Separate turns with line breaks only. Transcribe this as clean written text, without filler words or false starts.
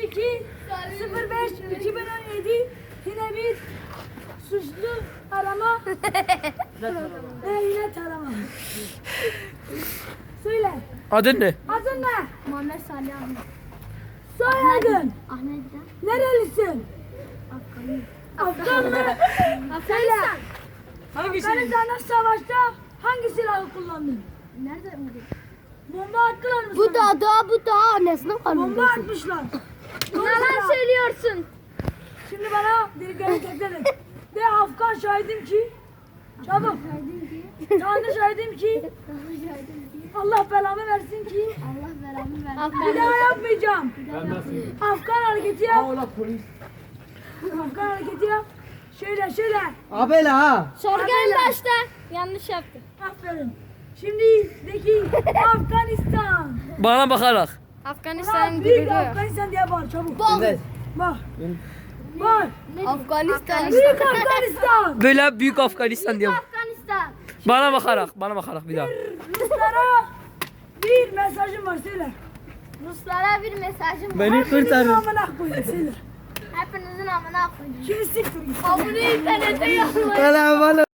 12 05 2017 yine bir suçlu arama. Yine tarama. Söyle.
Adın ne?
Adın ne?
Muhammed Salih Ahmet.
Soyadın.
Ahmet'ten.
Nerelisin? Afgan mı? Söyle. Afganistan'da savaşta hangi silahı kullandın?
Nerede mi?
Bomba attılar mı
Bu
sana?
bu da annesine
Bomba atmışlar.
Yalan söylüyorsun.
Şimdi bana dediklerini tekrar et. De Afgan şahidim ki. Çabuk. Tanrı şahidim ki. Allah belamı versin ki.
Allah belamı versin.
Bir daha yapmayacağım. Afgan hareketi yap. Afgan hareketi yap. Şöyle.
Abela ha.
Sorgu
Abela.
en başta. Yanlış yaptın.
Aferin. Şimdi deki Afganistan.
Bana bakarak.
Afganistan'ın
Büyük
gururu.
Afganistan diye bağır çabuk.
Evet.
Bak. Bak.
Afganistan.
Büyük Afganistan.
Böyle büyük Afganistan diye.
Afganistan.
Bana bakarak bir daha.
Ruslara bir mesajım var söyle.
Ruslara bir mesajım var.
Beni
Hepinizin
kurtarın.
amına koyun söyle.
Hepinizin amına koyayım.
Şimdi siktir git.
Abone internete yazmayın.
Bana